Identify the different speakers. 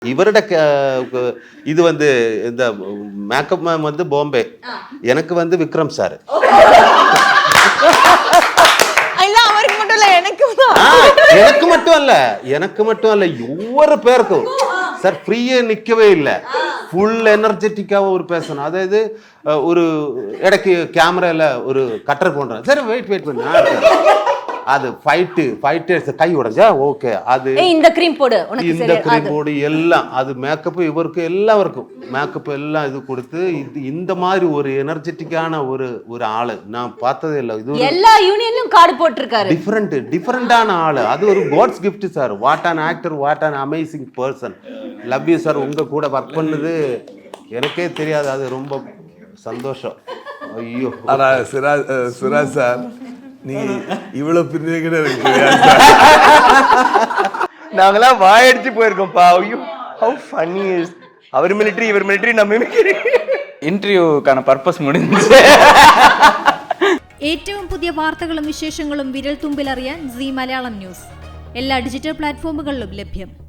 Speaker 1: இவருடைய இது வந்து இந்த மேக்கப் மேம் வந்து பாம்பே, எனக்கு வந்து விக்ரம் சார். எனக்கு மட்டும் அல்ல ஒவ்வொரு பேருக்கும் சார் ஃப்ரீயே நிக்கவே இல்லை, ஃபுல் எனர்ஜெட்டிக்காக ஒரு பேசணும். அதாவது ஒரு இடைக்கு கேமரால ஒரு கட்டர் போடுறேன், சரி வெயிட் பண்ணு, அது ஃபைட்டர்ஸ் கை உடைஞ்சா ஓகே, அது
Speaker 2: இந்த க்ரீம் போடு
Speaker 1: எல்லாம் அது மேக்கப் இவருக்கு எல்லாருக்கும் மேக்கப் எல்லாம் இது கொடுத்து இந்த மாதிரி ஒரு எனர்ஜெட்டிக்கான ஒரு ஆளு நான் பார்த்ததே இல்லை. இது
Speaker 2: எல்லா யூனியன்லயும் கார்டு போட்டுருக்காரு,
Speaker 1: டிஃபரெண்டான ஆளு. அது ஒரு god's gift sir. What an actor, what an amazing person. Love you sir. உங்க கூட ஒர்க் பண்ணது எனக்கே தெரியாது, அது ரொம்ப சந்தோஷம். ஐயோ
Speaker 3: ஆனா சிராஜ் சார் நீ இவ்வளவு பிரிஞ்சு
Speaker 4: நாங்களாம் வாயடிச்சு போயிருக்கோம்ப்பா. ஐயோ ஹவ் ஃபன்னி இஸ். அவர் மிலிட்டரி இவர் மிலிட்டரி நம்ம மிலிட்டரி.
Speaker 5: ഇന്റർവ്യൂക്കാன പർപ്പസ് முடிஞ்சு.
Speaker 6: ഏറ്റവും പുതിയ വാർത്തകളും വിശേഷങ്ങളും വിരൽ തുമ്പിലറിയാൻ സീ മലയാളം ന്യൂസ് എല്ലാ ഡിജിറ്റൽ പ്ലാറ്റ്ഫോമുകളിലും ലഭ്യം.